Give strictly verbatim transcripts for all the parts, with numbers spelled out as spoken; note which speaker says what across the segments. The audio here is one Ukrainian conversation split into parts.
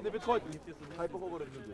Speaker 1: не підходь, хай поговорить люди.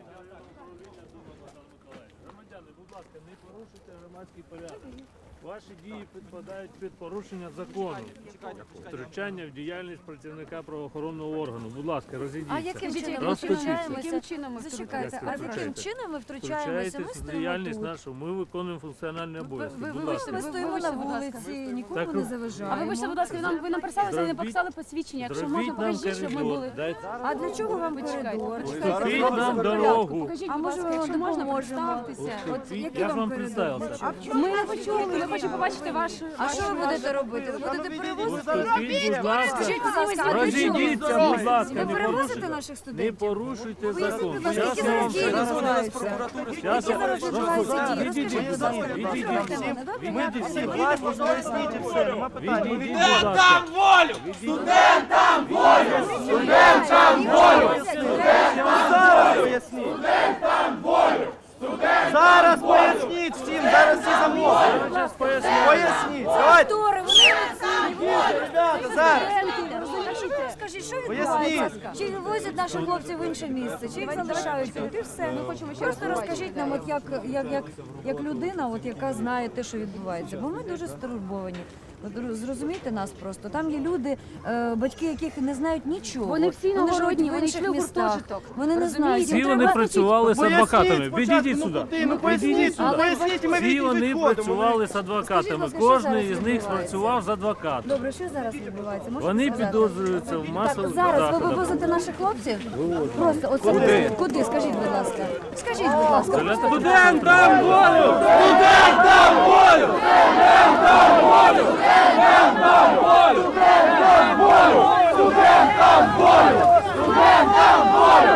Speaker 2: Громадяни, будь ласка, не порушуйте громадський порядок. Ваші дії підпадають під порушення закону. Втручання в діяльність працівника правоохоронного органу. Будь ласка, розійдіться.
Speaker 3: А яким чином ми
Speaker 2: Розступіться.
Speaker 3: втручаємося?
Speaker 4: Яким чином ми
Speaker 3: Зачекайте, а
Speaker 2: втручаєтесь?
Speaker 3: яким чином ми втручаємося? Ми
Speaker 2: Втручаєтесь в
Speaker 3: стоїмо
Speaker 2: діяльність
Speaker 3: тут.
Speaker 2: нашу. Ми виконуємо функціональні обов'язки.
Speaker 4: ви-
Speaker 2: Будь
Speaker 4: ви-
Speaker 2: ласка.
Speaker 3: Ми
Speaker 4: Ви-
Speaker 3: стоїмо на
Speaker 4: вибачте, будь ласка.
Speaker 3: вулиці, нікому
Speaker 2: Так,
Speaker 3: не
Speaker 4: А
Speaker 3: заважаємо.
Speaker 4: вибачте, будь ласка, ви нам ви нам писали, але не
Speaker 2: Зробіть-
Speaker 4: показали посвідчення. Якщо
Speaker 2: Зробіть
Speaker 4: можна,
Speaker 2: нам
Speaker 4: покажіть, щоб ми
Speaker 2: коридор.
Speaker 4: були.
Speaker 2: Дайте-
Speaker 3: А для чого вам
Speaker 4: Почекайте.
Speaker 3: коридор?
Speaker 2: Уступіть
Speaker 3: Чекайте,
Speaker 2: нам
Speaker 3: порядку.
Speaker 2: дорогу.
Speaker 4: Покажіть,
Speaker 3: А
Speaker 4: будь
Speaker 3: може,
Speaker 4: ласка,
Speaker 3: ми
Speaker 4: якщо можна,
Speaker 3: допоможемо?
Speaker 4: представтеся.
Speaker 3: От
Speaker 2: Я
Speaker 3: який
Speaker 2: ж
Speaker 3: вам
Speaker 2: вам
Speaker 3: коридор?
Speaker 2: представився.
Speaker 4: Ми не почули, я хочу побачити вашу...
Speaker 3: А що ви будете робити? Ви будете перевозити?
Speaker 2: Уступіть, будь ласка.
Speaker 3: Скажіть, будь ласка, а для чого?
Speaker 2: Розійдіться, будь ласка,
Speaker 3: Ви
Speaker 2: не
Speaker 3: перевозите
Speaker 2: порушуйте.
Speaker 3: наших
Speaker 2: Не
Speaker 3: студентів?
Speaker 2: порушуйте
Speaker 3: Поясніть,
Speaker 2: закон.
Speaker 3: будь ласка,
Speaker 2: Зараз
Speaker 3: які
Speaker 2: я вам
Speaker 3: зараз дії
Speaker 2: все
Speaker 3: відбуваються?
Speaker 2: Зараз я
Speaker 3: Зараз відбуваються дії.
Speaker 2: Відійдіть,
Speaker 3: Розкажіть,
Speaker 2: будь
Speaker 3: будь ласка,
Speaker 2: ласка, відійдіть.
Speaker 3: послухайте мене, добре?
Speaker 2: Відійдіть всі.
Speaker 5: Власне, поясніть і все, нема питань. Ми
Speaker 2: Відійдіть,
Speaker 5: відійдемо.
Speaker 2: будь ласка.
Speaker 1: волю! Студентам волю!
Speaker 3: Студентам волю!
Speaker 5: Зараз поясніть. Зараз поясніть всім, зараз всі замовкли.
Speaker 2: Зараз поясню.
Speaker 5: Поясніть, давайте.
Speaker 3: Актори, вони оці.
Speaker 5: Ребята, зараз.
Speaker 3: Скажіть, що
Speaker 5: Поясніть.
Speaker 3: відбувається? Чи вивозять наших хлопців в інше місце, чи їх залишають тут, і все. Просто розкажіть нам, от як, як, як, як людина, от, яка знає те, що відбувається. Бо ми дуже стурбовані. От роз- Зрозумійте нас просто. Там є люди, е, батьки, яких не знають нічого.
Speaker 4: Вони всі
Speaker 3: живуть
Speaker 4: іногородні,
Speaker 3: в
Speaker 4: вони
Speaker 3: інших
Speaker 4: йшли в
Speaker 3: містах.
Speaker 4: гуртожиток.
Speaker 3: Вони не
Speaker 4: Розумієте?
Speaker 3: знають.
Speaker 2: Всі
Speaker 3: Їм
Speaker 2: вони
Speaker 3: треба-
Speaker 2: працювали з адвокатами. Відійдіть
Speaker 5: ну
Speaker 2: сюди.
Speaker 5: куди? Ну поясніть, ну поясніть, і ми
Speaker 2: Всі
Speaker 5: відійдіть
Speaker 2: вони
Speaker 5: відходимо.
Speaker 2: працювали з
Speaker 3: Скажіть,
Speaker 2: адвокатами.
Speaker 3: будь ласка, що
Speaker 2: Кожен
Speaker 3: зараз
Speaker 2: із них
Speaker 3: відбувається?
Speaker 2: працював з адвокатом.
Speaker 3: Добре, що зараз відбувається? Можете
Speaker 2: Вони
Speaker 3: сказати?
Speaker 2: підозрюються в масових
Speaker 3: Зараз ви
Speaker 2: заходах.
Speaker 3: вивозите наших хлопців? Просто оце куди? Куди? Скажіть, будь ласка. Скажіть, будь ласка. просто-
Speaker 2: Студентам волю!
Speaker 1: Студентам волю! Студентам волю! Студентам волю! Студентам волю! Студентам волю! Студентам волю!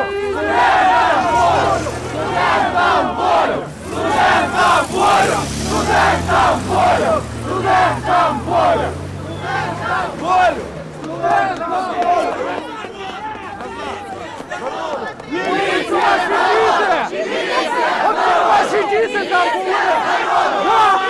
Speaker 1: Студентам волю! Студентам волю! Студентам волю! Студентам волю! Студентам волю! Студентам волю! Міліція, світіться! От ваші діти там були!